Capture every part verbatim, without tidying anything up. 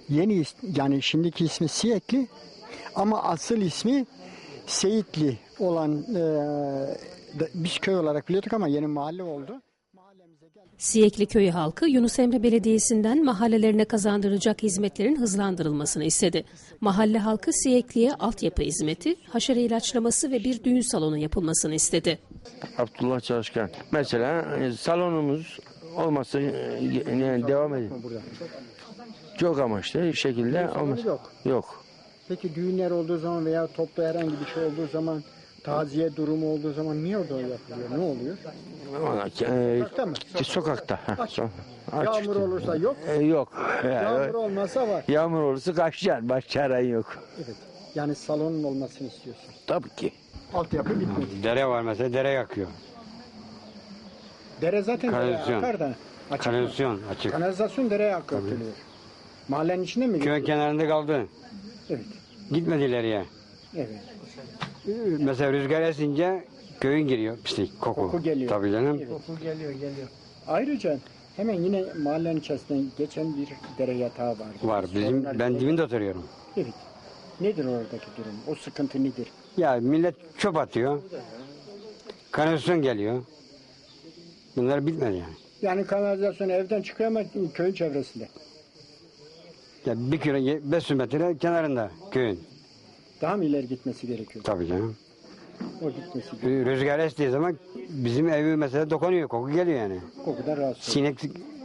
Yeni is- yani şimdiki ismi Siyekli ama asıl ismi Seyitli olan e, da- biz köy olarak biliyorduk ama yeni mahalle oldu. Siyekli Köyü halkı Yunus Emre Belediyesi'nden mahallelerine kazandırılacak hizmetlerin hızlandırılmasını istedi. Mahalle halkı Siyekli'ye altyapı hizmeti, haşere ilaçlaması ve bir düğün salonu yapılmasını istedi. Abdullah Çalışkan. Mesela e, salonumuz olmazsa e, yani devam edin. Çok amaçlı şekilde olmaz. Yok. Yok. Peki düğünler olduğu zaman veya toplu herhangi bir şey olduğu zaman, taziye durumu olduğu zaman niye orada yapılıyor? Ne oluyor? Ona, e, Sokakta mı? Sokakta. ha, Açık. so- açık. Yağmur olursa yok. E, yok. Yağmur olmasa var. Yağmur olursa kaçacaksın. Başka çaren yok. Evet. Yani salonun olmasını istiyorsun. Tabii ki. Altyapı bitmedi. Dere var mesela, dere yakıyor. Dere zaten dereye Kanalizasyon. akar da. Açık. Kanalizasyon açık. Kanalizasyon dereye akıtılıyor. Mahallenin içinde mi? Köy kenarında kaldı. Evet. Gitmedi ileriye. Evet. Mesela rüzgar esince köyün giriyor pislik, koku. Koku geliyor. Tabii canım. Koku geliyor, geliyor. Ayrıca hemen yine mahallenin içerisinden geçen bir dere yatağı var. Var. Bizim, Sorunlar ben değil. dibinde oturuyorum. Evet. Nedir oradaki durum? O sıkıntı nedir? Ya millet çöp atıyor. Kanalizasyon geliyor. Bunlar bitmedi yani. Yani kanalizasyon evden çıkıyor ama köyün çevresinde. Ya bir kilo, beş yüz metre kenarında köyün. Daha mı ileri gitmesi gerekiyor? Tabii canım. O gitmesi gerekiyor. Rüzgar estiği zaman bizim evi mesela dokunuyor, koku geliyor yani. Kokudan rahatsız. Sinek,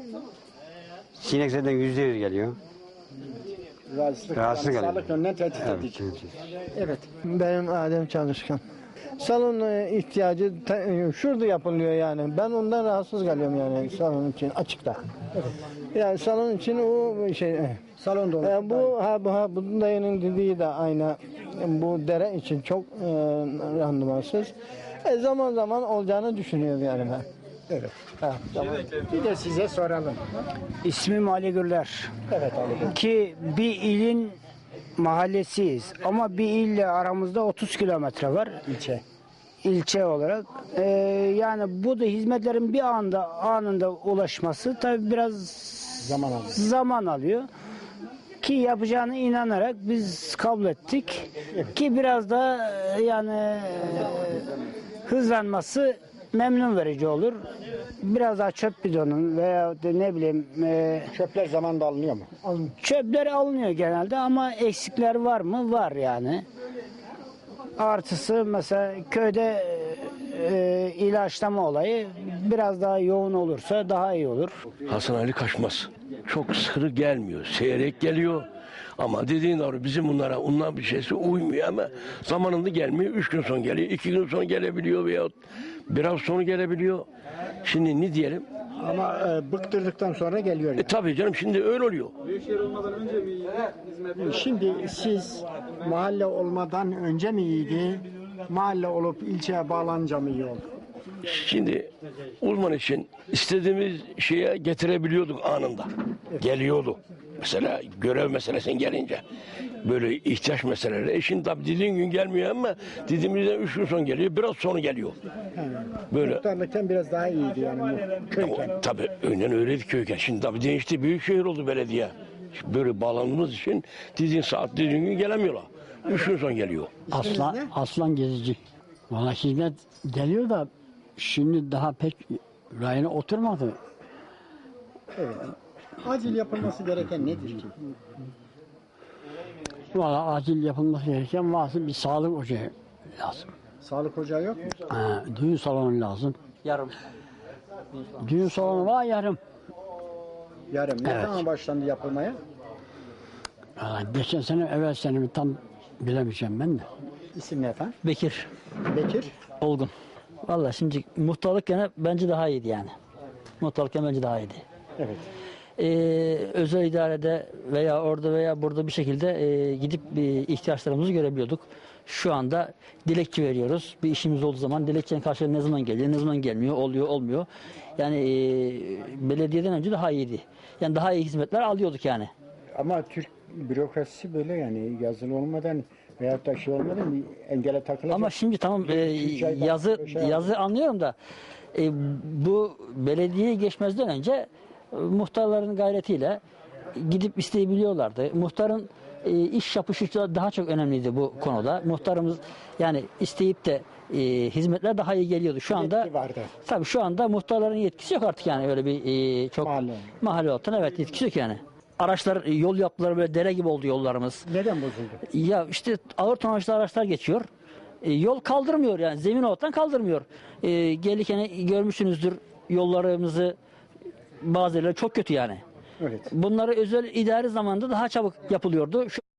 sinek zaten yüzde yüz geliyor. Rahatsızlık. Rahatsızlık Yani oluyor. sağlık yönünden tehdit Evet, edici. evet. Evet. Benim Adem Çalışkan. Salon e, ihtiyacı ta- e, şurada yapılıyor yani. Ben ondan rahatsız kalıyorum yani salon için açıkta. Yani salon için o şey. e, Salonda olur. e, bu ha bu ha bu dayının dediği de aynı. E, Bu dere için çok e, randımansız. E, zaman zaman olacağını düşünüyorum yani ben. Evet. Ha, tamam. Bir de size soralım. İsmim Ali Gürler. Evet Ali Bey. Ki bir ilin mahallesiyiz ama bir ille aramızda otuz kilometre var İlçe. ilçe olarak. Ee, yani bu da hizmetlerin bir anda anında ulaşması tabii biraz Zaman alıyor. zaman alıyor. Ki yapacağına inanarak biz kabul ettik. Ki biraz da e, yani e, hızlanması memnun verici olur. Biraz daha çöp bidonun veya de ne bileyim e, Çöpler zamanında alınıyor mu? çöpler alınıyor genelde ama eksikler var mı? Var yani. Artısı mesela köyde e, ilaçlama olayı biraz daha yoğun olursa daha iyi olur. Hasan Ali Kaçmaz. Çok sıkı gelmiyor. Seyrek geliyor. Ama dediğin doğru bizim bunlara ondan bir şeysi uymuyor ama zamanında gelmiyor. Üç gün sonra geliyor. iki gün sonra gelebiliyor veya biraz sonra gelebiliyor. Şimdi ne diyelim? Ama e, bıktırdıktan sonra geliyor. E Yani. tabii canım şimdi öyle oluyor. Şimdi siz mahalle olmadan önce mi iyiydi? Mahalle olup ilçeye bağlanınca mı iyi oldu? Şimdi uzman için istediğimiz şeye getirebiliyorduk anında. Geliyordu. Mesela görev meselesine gelince böyle ihtiyaç meseleleri. E şimdi tabii dediğin gün gelmiyor ama dediğimizden üç gün sonra geliyor. Biraz sonra geliyor. Böyle. Muhtarlıktan biraz daha iyiydi yani bu köyken. Ama tabii önden öyleydi köyken. Şimdi tabii değişti. Büyük şehir oldu belediye. Böyle bağlandığımız için dediğin saat dediğin gün gelemiyorlar. Üç gün sonra geliyor. Aslan, aslan gezici. Valla hizmet geliyor da şimdi daha pek rayına oturmadı. Evet. Acil yapılması gereken nedir ki? Valla acil yapılması gereken varsa bir sağlık ocağı lazım. Sağlık ocağı yok mu? Ha, düğün salonu lazım. Yarım. Düğün salonu var yarım. Yarım. Ne Evet. zaman başlandı yapılmaya? Valla geçen sene evvel sene mi tam bilemeyeceğim ben de. İsim ne efendim? Bekir Bekir. Olgun. Vallahi şimdi muhtarlık gene bence daha iyiydi yani. Muhtarlık gene bence daha iyiydi. Evet. Ee, özel idarede veya orada veya burada bir şekilde e, gidip bir ihtiyaçlarımızı görebiliyorduk. Şu anda dilekçe veriyoruz. Bir işimiz olduğu zaman dilekçenin karşılığı ne zaman geliyor, ne zaman gelmiyor, oluyor, olmuyor. Yani e, belediyeden önce daha iyiydi. Yani daha iyi hizmetler alıyorduk yani. Ama Türk bürokrasisi böyle yani yazılı olmadan veyahut da şey olmadan bir engele takılacak. Ama şimdi tamam e, üç ay yazı beş ay yazı anlıyorum da e, bu belediyeye geçmezden önce e, muhtarların gayretiyle gidip isteyebiliyorlardı. Muhtarın e, iş yapışı da daha çok önemliydi bu konuda. Muhtarımız yani isteyip de e, hizmetler daha iyi geliyordu. Şu anda Yetki vardı. tabii şu anda muhtarların yetkisi yok artık yani öyle bir e, çok Mahalle. mahalle altına evet yetkisi yok yani. Araçlar e, yol yaptılar böyle dere gibi oldu yollarımız. Neden bozuldu? Ya işte ağır tonajlı araçlar geçiyor. E, yol kaldırmıyor yani zemin alttan kaldırmıyor. E, gelirken görmüşsünüzdür yollarımızı bazı yerler çok kötü yani. Evet. Bunları özel idari zamanda daha çabuk yapılıyordu. Şu